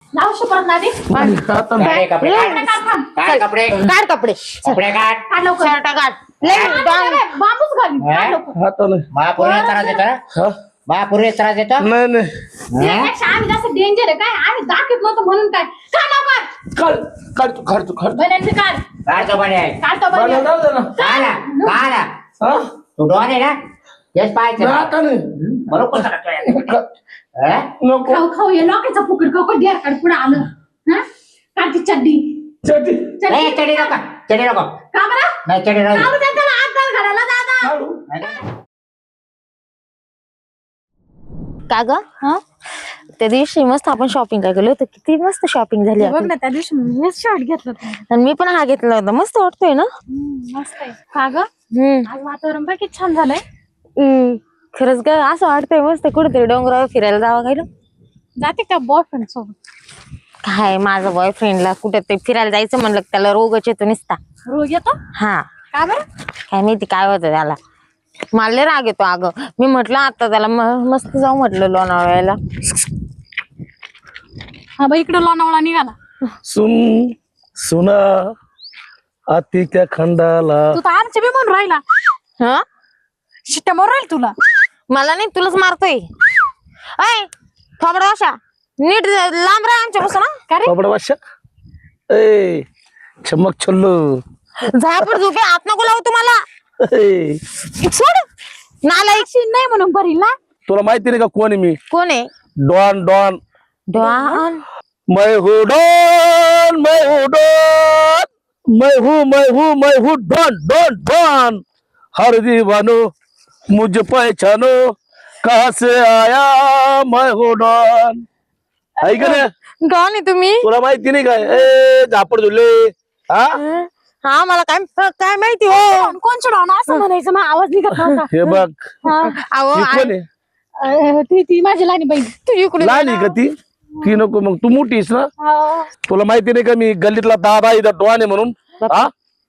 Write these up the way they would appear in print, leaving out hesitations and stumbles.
लावशी परत नादी काय कपडे काय कपडे काढ कपडे कपडे काढ काढ लवकर शर्ट काढ लय बांबूच घाली काढ लवकर हाताने महापूर्वी त्रास देतो महापूर्वी त्रास देतो नाही नाही त्यापेक्षा आम्ही जास्त डेंजर आहे काय आम्ही दाखवत नव्हतो म्हणून काय काढ लवकर काढ तू काढ बन्यांचं काढ काढतो बने काढतो मला बन्यान जाऊ दे ना काढा काढा हा तू डॉन आहे ना तेच पाहायचं नाही, आता नाही बरोबर करतोय नको खाऊ खाऊ ये लोकांचा फुकट खाऊ कधी काढ पुढे आलं हा काढ ती चड्डी चटी नाही चढी नको चढी नको का बरं नाही चढी का नको बरं त्याला हात घाल घालायला दादा काढू का ग हा त्या दिवशी मस्त आपण शॉपिंग गेलो होतो किती मस्त शॉपिंग झाली बघ आपली. ना त्या दिवशी मी शर्ट घेतलं होतं आणि मी पण हा घेतला होता मस्त वाटतोय ना मस्त आहे का ग हम्म आज वातावरण बघ किती छान झालंय खरंच ग असं वाटतंय मस्त कुठेतरी डोंगरावर फिरायला जावं गेलो जाते का बॉयफ्रेंड सोबत काय माझं बॉयफ्रेंडला कुठे ते फिरायला जायचं म्हणलं की त्याला रोगच येतो निसता रोग येतो हा का बरं काय माहिती काय होतं त्याला मला लय राग येतो अगं मी म्हटलं आता त्याला मस्त जाऊ म्हटलं लोणावळ्याला हा बाई इकडे लोणावळा निघाला सुना अति त्या खंडाला तू तर आमचे बी म्हणून राहिला हा शिट्ट्या मारून राहील तुला मला नाही तुलाच मारतोय ऐ थोबडा अशा नीट लांब राहा आमच्यापासून हा. का रे बाबडा बादशा ए चमक छल्लू झापड झोपे आत नको लावू तुम्हाला ए, सोड नालायक शीन नाही म्हणून भरील ना तुला माहिती नाही का कोण आहे मी कोण आहे डॉन डॉन डॉन मैं हूँ डॉन मैं हूँ डॉन मैं हूँ डॉन डॉन डॉन हर दीवानो मुझ पहचानो कहाँ से आया मैं हूँ डॉन ऐक ना डॉन आहे तुम्ही तुला माहिती नाही काय ए झापड झुले हा हा मला काय काय माहिती हो कोणचं डॉन असं म्हणायचं मग आवाज निघत नव्हता हे बघ हा. अहो ही कोण आहे ती माझी लहानी बहीण तू इकडे लहान आहे का ती नको मग तू मोठीस ना हा. तुला माहिती नाही का मी गल्लीतला दादा इथं डॉन आहे म्हणून हा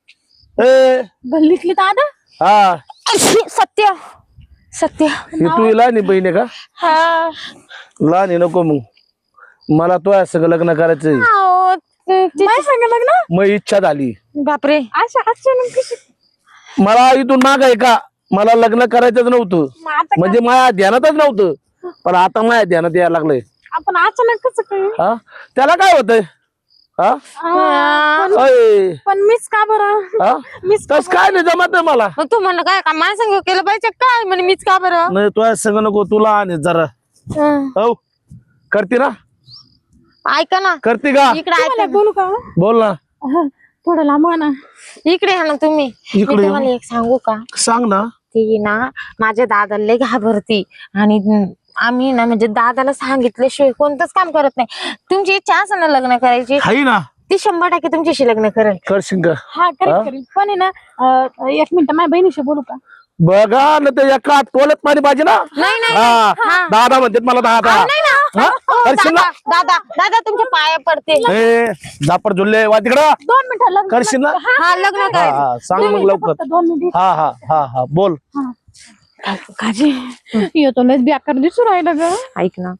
ए गल्लीतली दादा हा सत्य सत्य ही तू लहान आहे बहीण आहे का हा लहान आहे नको मग मला तो सगळं लग्न करायचंय अहो, नाही सांगा लग्न मग इच्छा झाली बापरे अशा अचानक कशी मला इथून माग आहे का मला लग्न करायचंच नव्हतं मग आता म्हणजे माझ्या ध्यानातच नव्हतं पण आता माझ्या ध्यानात यायला लागलंय आपण अचानक कसं काय हा त्याला काय होतंय हा अय, पण मीच का बरं हा मीच तस काय नाही जमत नाही मला मग तू म्हणलं काय का माझ्या संग केलं पाहिजे काय म्हणे मीच का बरं नाही तुझ्या संग नको तुला आणि जरा हो करते ना ऐका ना करते का इकडे ऐका ना. बोलू का बोल ना थोडं लांब ना इकडे या ना तुम्ही मी इकडे तुम्हाला एक सांगू का सांग ना ती ना माझ्या दादाला लय घाबरती आणि आम्ही ना म्हणजे दादाला सांगितल्याशिवाय कोणतंच काम करत नाही तुमची इच्छा असेल ना लग्न करायची हाय ना ती 100% तुमच्याशी लग्न करेल करशील का हा करेल पण आहे ना एक मिनिट माझ्या बहिणीशी बोलू का बघा ना ते एका टोलत पाणी पाहिजे ना नाही नाही हा दादा म्हणतात मला दादा नाही ना हा? करशील ना दादा दादा तुमच्या पाया पडते ए झापड झुलले वा तिकडं 2 मिनिटं लग्न करशील ना हा लग्न हा करायचं हा सांग मग लवकर फक्त 2 मिनिट हा हा हा हा बोल काजी येतो लस बेकार दिसू राहिलं ग ऐक ना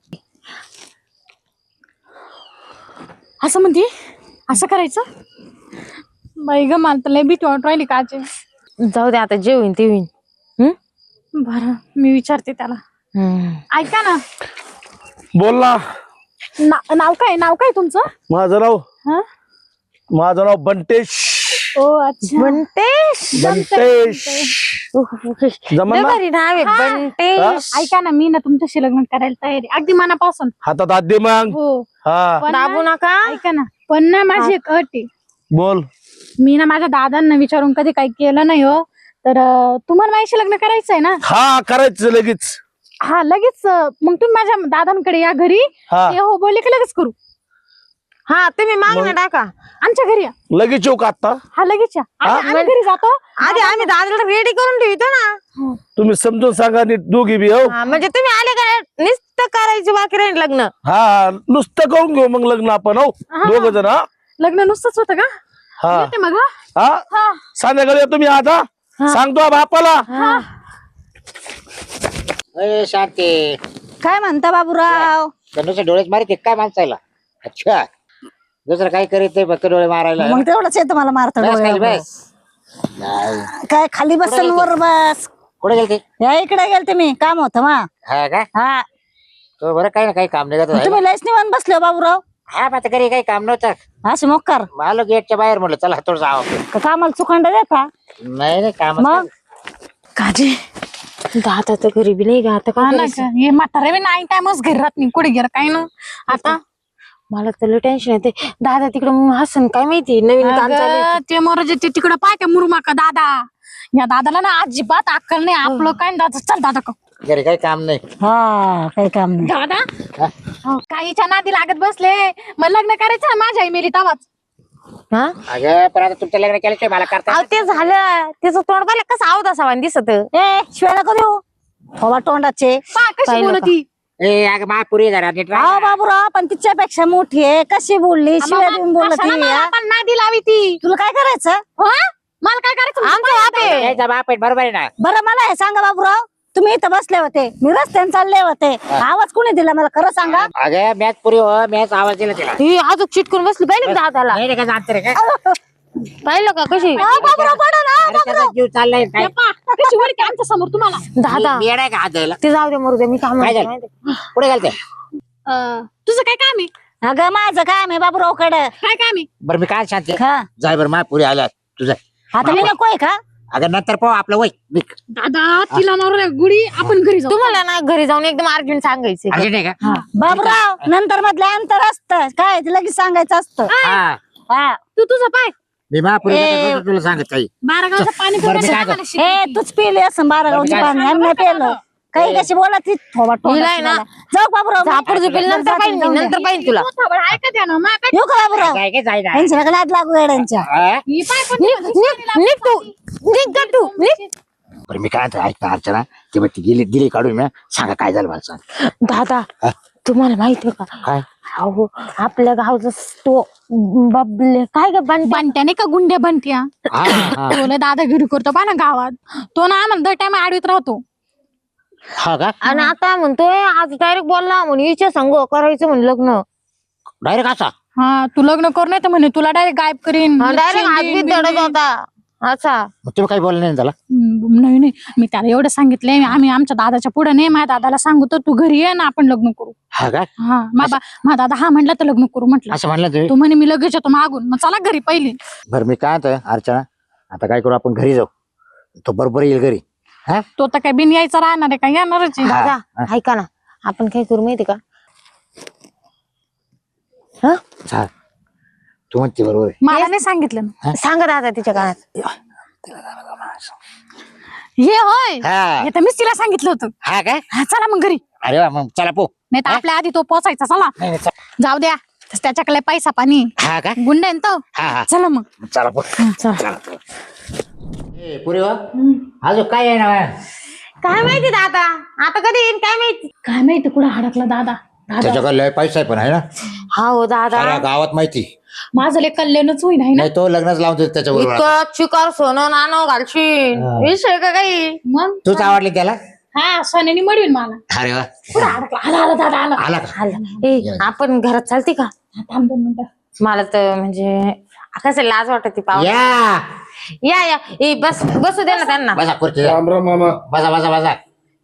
असं म्हणते असं करायचं बाई ग मला तर लय भीती वाटू राहिली काजी जाऊ दे आता जे होईन ते होईन बरं मी विचारते त्याला ऐका ना बोल ना नाव काय तुमचं माझं नाव बंटेश ओ अच्छा बंटेश बंटेश जमन ना भारी नाव आहे बंटेश ऐका ना मी ना तुमच्याशी लग्न करायला तयारी अगदी मनापासून हातात हात दे मग हो हा पण दाबू ना- नका ऐका ना पण ना माझी एक अट आहे बोल मी ना माझ्या दादांना विचारून कधी काही केलं नाही हो तर तुम्हाला माझ्याशी लग्न करायचंय ना हा करायचं लगेच हा लगेच मग तुम्ही माझ्या दादांकडे या घरी हा ते हो बोलले की लगेच करू हा तुम्ही मागणं टाका आमच्या घरी या लगेच येऊ का आता हा लगेच या आम्ही घरी जातो आधी आम्ही दादाला रेडी करून ठेवतो ना तुम्ही समजून सांगा नीट दोघी बी हो हा, म्हणजे तुम्ही आले का नुसतं करायची बाकी राहील लग्न हा नुसतं करून घेऊ मग लग्न आपण हो दोघ जण हा लग्न नुसतंच होतं का हा येते मग हा? हा हा संध्याकाळी या तुम्ही आता सांगतो बापाला शांती काय म्हणता बाबूराव नुसते डोळेच मारित काय माणसाला अच्छा दुसरं काही करीत नाही फक्त डोळे मारायला मग तेवढंच येतं मला मारता बस खाली डोळ्यावर. बस नाही. काय खाली बसल वर बस. कुठे गेलते या इकडे गेलते मी काम होतं मा. हा का हा तो बरं काही ना काही काम नाही करत तुम्ही लयच निवांत बसले हो बाबूराव. हा मग आता घरी काही काम नव्हतं असे मोक्कार आलो गेटच्या बाहेर म्हणलं चला थोडं जावं का कामाला चुकांड देता नाही नाही काम मग काजी दादा तर घरी बी नाही गा आता काय हा ना करायचं? का? हे म्हातारे बी नाही टाइमच घरी राहत नाही कुठे गेलं काय ना आता मला तर टेन्शन येते. दादा तिकडं हसन काय माहिती नवीन काम चालू आहे. अगं, ते मोराचे ते तिकडं पाय का मुरुमा का दादा या दादाला ना अजिबात अक्कल नाही आपलं काय दादा चल दादा का घरी काही काम नाही हा काही काम नाही. दादा हा? काहीच्या नादी लागत बसले मग लग्न करायचं ना माझ्या आई मेली तवाच हा अगं पण आता तुमचं लग्न केलं मला करता अहो ते झालं त्याचं तोंड पाहिलं कसं आवत असावा दिसत. ए शिवाय नको देऊ हवा तोंडाचे. पा कशी पाहिलं बोलती ए अगं महापुरी जरा नीट राहा. हा बाबूराव पण तिच्यापेक्षा मोठी आहे कशी बोलली शिवाय देऊन बोलत पण नादी लावी ती तुला काय करायचं. हो? मला काय करायचं आमचं बाप आहे. यायचा बाप आहे बरोबर आहे ना बरं मला हे सांगा बाबूराव तुम्ही इथं बसले होते मी रस्त्याने चालले होते आवाज कोणी दिला मला खरं सांगा. अगं मॅच पुरी हो मॅच आवाज दिला तिला ही अजून चिटकून बसली पाहिलं का दादाला नाही रे काय जाणतं रे काय पाहिलं का कशी बाबूराव पडा ना. अरे त्याचा जीव चाललाय काय कशी वळते आमच्या समोर तुम्हाला दादा मी येणार का हात द्यायला ते जाऊ दे मरू दे मी काम काय झालं? पुढे घालते तुझं काय काम आहे अगं माझं काम आहे बाबूराव कडं. काय काम आहे बरं मी काय शांती हा जाय बरं महापुरी आल्या तुझं आता मी नकोय का. अगं नंतर पाहू आपलं वय निघ. दादा तिला मारून गुडी आपण घरी जाऊ तुम्हाला ना घरी जाऊन एकदम अर्जंट सांगायचं. अर्जंट आहे का बाबूराव नंतर मधलं अंतर असतं काय ते लगेच सांगायचं असतं. हा हा तू तुझं पाय मी महापुरी तुला सांगत काही बारा गावचं पाणी बरं, मी पिण्याचं काय आम्हाला शिक- हे तूच पिले असं 12 गावचं पाणी आम्ही नाही पिलं काही कशी बोला ती थोबा हिला आहे ना. जाऊ बाबूराव झापड झुपेल नंतर पाहिजे नंतर पाहिजे तुला. तू थोबड ऐका द्या ना मा काय येऊ का बाबूराव काय काय जायला त्यांच्या नका नाद लागू येड्यांच्या. ही पाय पण निघ तू निघ का तू निघ. बरं मी काय म्हणतो, ऐक ना अर्चना ते मग ती गेली काढून मी सांगा काय झालं मला सांग दादा तुम्हाला माहिती आहे का काय अहो आपल्या गावचा तो बबले काय ग बंट्या बंट्याने का गुंड्या बंट्या हा, हा. तो दादा घरी करतो पा ना गावात तो ना आम्हाला दर टाइम आडवीत राहतो हा का आणि आता म्हणतोय आज डायरेक्ट बोलला म्हणे हिच्या संग करायचं म्हणे लग्न. डायरेक्ट असा हा तू लग्न कर नाही तर म्हणे तुला डायरेक्ट गायब करीन डायरेक्ट हात शेंडीन, बीत दडत बिंडीन. होता असा. मग तुम्ही काही बोलले नाही त्याला नाही नाही मी त्याला एवढं सांगितलंय आम्ही आमच्या दादाच्या पुढे नाही माझ्या दादाला सांगू तर तू घरी ये ना आपण लग्न करू हा का हा माझा दादा हा म्हणला तर लग्न करू म्हटलं असं म्हणलं तुम्ही तू म्हणे मी लगेच येतो मागून मग चला घरी पहिली बरं मी काय म्हणतोय अर्चना आता काय करू आपण घरी जाऊ तो बरोबर येईल घरी हा तो तर काय बिन यायचा राहणार आहे का येणारच आहे. दादा ऐका ना आपण काय करू माहिती का हा चाल तू म्हणते बरोबर आहे. मला नाही सांगितलं ना. सांगा दादा तिच्या कानात. हे होय हा हे तर मीच तिला सांगितलं होतं हा काय हा, चला मग घरी अरे वा मग चला पो नाही तर आपल्या आधी तो पोचायचा चला नाही नाही, चला. जाऊ द्या त्याच्याकडे पैसा पाणी हा का गुंड आहे ना तो हा हा चला मग चला पो चला. ए पुरी हो अजून काय आहे ना काय माहिती दादा आता कधी येईन काय माहिती. काय माहिती कुठं हडकला दादा त्याच्याकडे लय पैसा आहे पण आहे ना हा हो दादा साऱ्या गावात माहिती माझं लय कल्याणच होईन आहे ना नाही तो लग्नच लावून देतो त्याच्याबरोबर इतकं चिकार सोनं नाणं घालशील विषय का काही. मग तूच आवडली त्याला हा सोन्याने मडवीन मला अरे वा कुठं अडकला आला आला दादा आला आला का आलं. ए आपण घरात चालते का हा, थांब 2 मिनिटं मला तर म्हणजे कसं लाज वाटत पाव या या ए बस बसू दे ना त्यांना. बसा खुर्ची राम राम मामा. बसा बसा बसा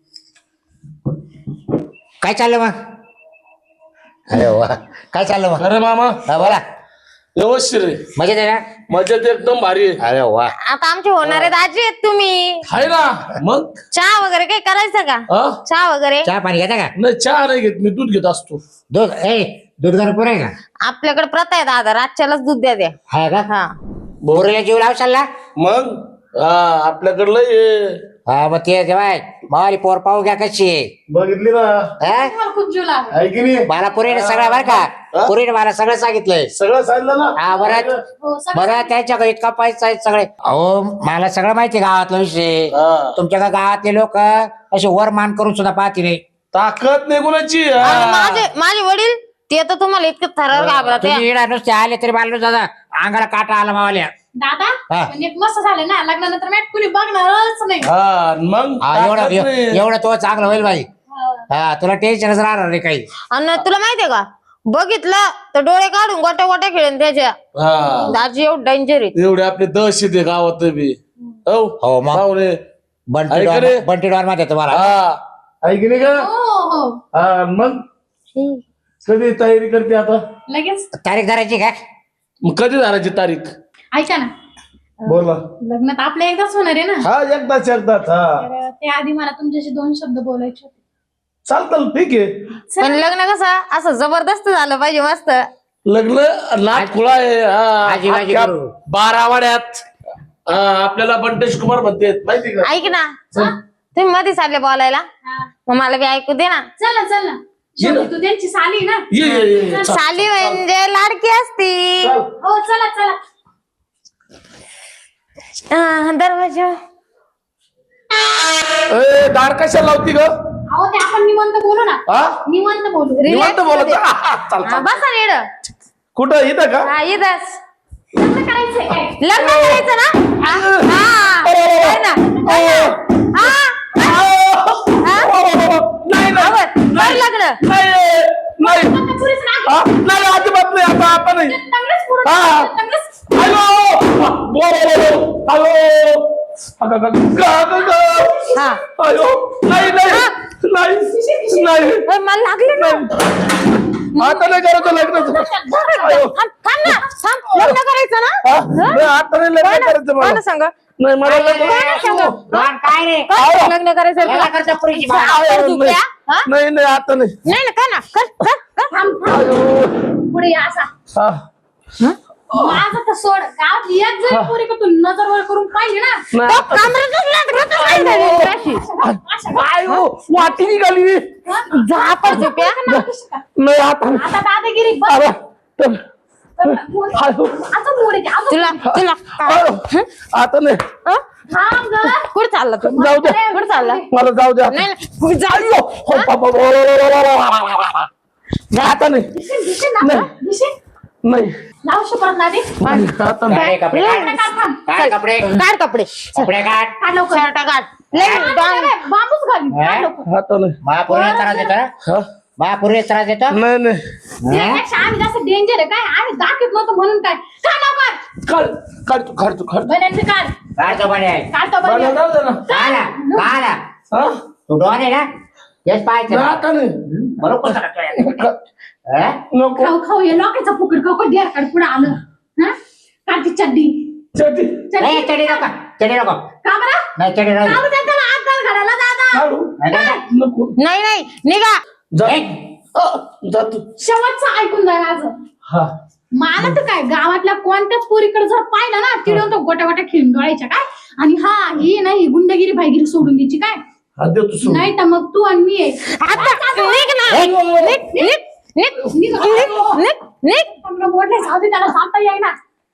काय चाललं मग अरे वा काय चाललं मग अरे मामा हा बोला व्यवस्थित रे मजेत आहे ना मजेत एकदम भारी आहे. अरे वा आता आमचे होणारे दाजी आहेत तुम्ही. हाय ना मग चहा वगैरे काही करायचं का हा चहा वगैरे. चहा पाणी घेता का नाही चहा नाही घेत मी दूध घेत असतो. दूध दूध गरम पुरं आहे का आपल्याकडे प्रथा आहे दादा रातच्यालाच दूध द्या द्या. हा का हा पोरीला जीव लावशाल ना मग हा आपल्याकडलं हे हा मग ते जेवाय मावाली पोर पाहू घ्या कशी आहे बघितली ना हा? मला खूप जीव लागला आहे की नाही मला पुरीने सगळं बरं का पुरीने मला सगळं सांगितलंय सगळं सांगितलं ना. हा बरं हो, सगळं बरं त्यांच्याकडे इतका पैसा आहे सगळे अहो मला सगळं माहिती गावातला विषय हा. तुमच्या गावातले लोक असे वर मान करून सुद्धा पाहते नाही ताकद नाही कोणाची हा. आणि माझे वडील ते तर तुम्हाला इतकं थरार घाबरत आहे. तुम्ही येणार नुसते आले तरी मला दादा अंगाला काटा आला मावाल्या दादा हा. म्हणजे मस्त झालं ना लग्नानंतर मॅट कुणी बघणारच नाही हा मग हा, ताकद नाही. एवढं तो चांगलं होईल बाई हा तुला टेन्शनच राहणार नाही काही आणि तुला माहितीये का बघितलं तर डोळे काढून गोट्या गोट्या खेळून त्याच्या हा दाजी एवढं डेंजर आहे. एवढे आपले दहशत आहे गावात बी हो हो मग पाहुणे ऐक रे. बंटी डॉन मध्ये तुम्हाला हा ऐक नाही का हो हो हा मग कधी तयारी करते आता लगेच तारीख धरायची का मग कधी झाडाची तारीख ऐका ना बोला लग्न तर आपलं एकदाच होणार आहे ना हा एकदाच एकदाच हा तर ते आधी मला तुमच्याशी 2 शब्द बोलायचे होते. चालतं ठीक आहे पण लग्न कसं असं जबरदस्त झालं पाहिजे मस्त. लग्न नाथ खुळा आहे आजी बाजी अख्ख्या करू. 12 वाड्यात आपल्याला बंटेश कुमार म्हणते माहिती का ऐक ना तुम्ही मध्ये चालले बोलायला मग मला बी ऐकू दे ना. चल ना चल ना शेवटी तू त्यांची साली ना. ये चल. साली म्हणजे लाडकी असती. चल. हो चला चला. दरवाजा ए, दार कशाला लावती ग अहो ते आपण निवांत बोलू ना. हा निवांत बोलू. निवांत बोलत चाल हा, चाल बसा नीड. कुठं इथं का हा इथंच लग्न करायचंय काय? लग्न करायचं ना. हा काय ना नाही नाही कर लग्न. नाही नाही आता पुरीच नाही. हा, नाही अजिबात नाही आता आता नाही चांगलंच पुढं हा. चांगलंच. हा अयो नाही नाही नाही नाही ओय, मला लागले ना. आता नाही करायचं लग्न थांब ना थांब लग्न करायचं ना. आता नाही लग्न करायचं कोण मला सांग नाही मला काय रे लग्न करायचं याला तुला? करतो पुरीची बाळा. कर तू प्या. हा? नाही नाही आता नाही नाही ना कर ना कर. थांब थांब. पुढे या असा. हा. माझं तर सोड गावात एक जरी पोरी का तू नजर वर करून पाहिजे ना. नाही आता- कामरातच लागलं काय झालं अशी? काय हो वाटी निघाली जा पडतो प्या. नाही आता नाही. आता दादागिरी बस. अरे, तर- आयो, आता मोडे दे. अजून तुला तुला आयो, आता नाही थांब गं. कुठे चालला तू जाऊ द्या कुठे चालला मला जाऊ द्या नाही नाही, जा. आयो, हो, बाबा, आता नाही दिसेल ना नाही. दिसेल. नाही लावू शकत ना ते. आता नाही कपडे लग्न काढ काढ थांब. काय कपडे काढ कपडे कपडे काढ काढ लवकर. शर्ट काढ लय डांग. बांबूच घाल. काढ लवकर. आता नाही महापूर्वी त्रास देतो हा? महापूर्वी त्रास देतो नाही नाही त्यापेक्षा आम्ही जास्त डेंजर आहे काय आम्ही दाखवत नव्हतो म्हणून काय काढ लवकर. काढ तू काढ बन्यांचं काढ. काढतो बने काढतो मला बन्यान. जाऊ दे ना काढा काढा हा? तू डॉन आहे ना हेच पाहायचं नाही, आता नाही बरोबर कसं करतोय? हा? नको खाऊ खाऊ हे लोकांचा फुकट खाऊ कधी काढ पुढे आलं. हा काढ ती चड्डी. चटी नाही चढी नको चढी नको का बरं? नाही चढी राहू का बरं त्याला हात घाल घालायला दादा. काढू नको नाही नाही निघा. जा हा, जा तू शेवटचं ऐकून जा माझं. हा मला तर काय गावातल्या कोणत्याच पोरीकडे जर पाहिलं ना तिडून तो गोट्या गोट्या खेळून डोळायच्या काय आणि हा ही नाही गुंडगिरी भाईगिरी सोडून द्यायची काय हा दे तू सोड. नाही तर मग तू आणि मी आहे. आता निघ ना निघ निघ निघ निघ. निघ निघ निघ. चांगलं मोडलंय, जाऊ दे, त्याला सांगता येईना.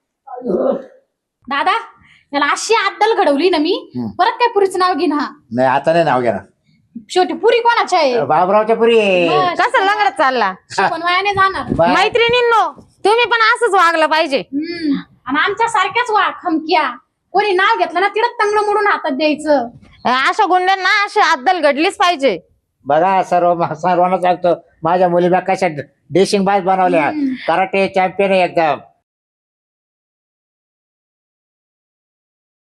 दादा त्याला अशी अद्दल घडवली ना मी परत काय पुरीचं नाव घेईन. हा नाही आता नाही नाव घ्या शेवटी पुरी कोणाच्या आहे? बाबरावच्या पुरी आहे. बस. कसं लंगडत चालला पण वयाने जाणार. बा- मैत्रिणींनो तुम्ही पण असंच वागलं पाहिजे. आणि आमच्या सारख्याच वा खमक्या कोणी नाव घेतलं ना तिथं तंगड मोडून हातात द्यायचं. अशा गुंड्यांना अशी अद्दल घडलीच पाहिजे. बघा सर्वांना सांगतो माझ्या मुलीला कशा डेशिंग बाज बनवल्या कराटे चॅम्पियन आहे एकदम